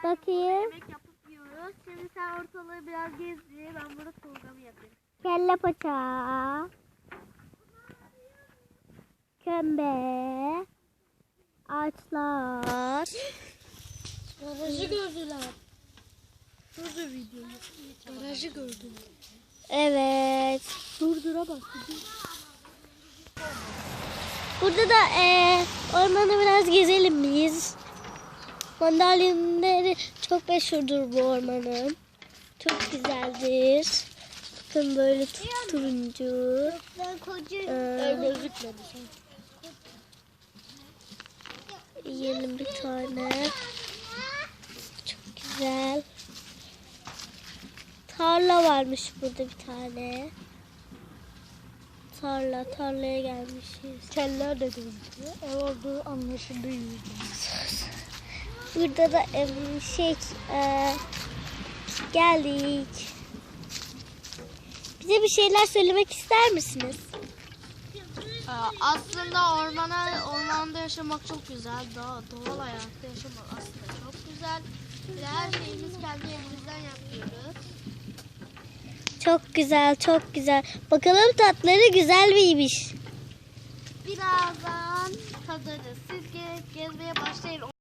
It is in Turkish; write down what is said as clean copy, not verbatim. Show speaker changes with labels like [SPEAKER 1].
[SPEAKER 1] Bakayım.
[SPEAKER 2] Yemek yapıp yiyoruz. Şimdi sen ortalığı biraz gezdir. Ben burada programı yapayım.
[SPEAKER 1] Kelle paça. Kömbe. Ağaçlar.
[SPEAKER 2] Garajı gördüler. Durdur videoyu. Garajı gördüler.
[SPEAKER 1] Evet.
[SPEAKER 2] Durdura bak.
[SPEAKER 1] Burada da ormanı biraz gezelim biz. Mandalinaları çok meşhurdur bu ormanın. Çok güzeldir. Bakın böyle turuncu.
[SPEAKER 2] Gözükmedi.
[SPEAKER 1] Yiyelim bir tane. Çok güzel. Tarla varmış burada bir tane. Tarlaya gelmişiz.
[SPEAKER 2] Keller de gözüküyor. Ev olduğu anlaşılıyor.
[SPEAKER 1] Burada da geldik. Bize bir şeyler söylemek ister misiniz?
[SPEAKER 2] Aslında ormanda yaşamak çok güzel. Doğal hayatta yaşamak aslında çok güzel. Ve her şeyimiz kendi elimizden yapıyoruz.
[SPEAKER 1] Çok güzel, çok güzel. Bakalım tatları güzel miymiş?
[SPEAKER 2] Birazdan tadarız. Siz gezmeye başlayın.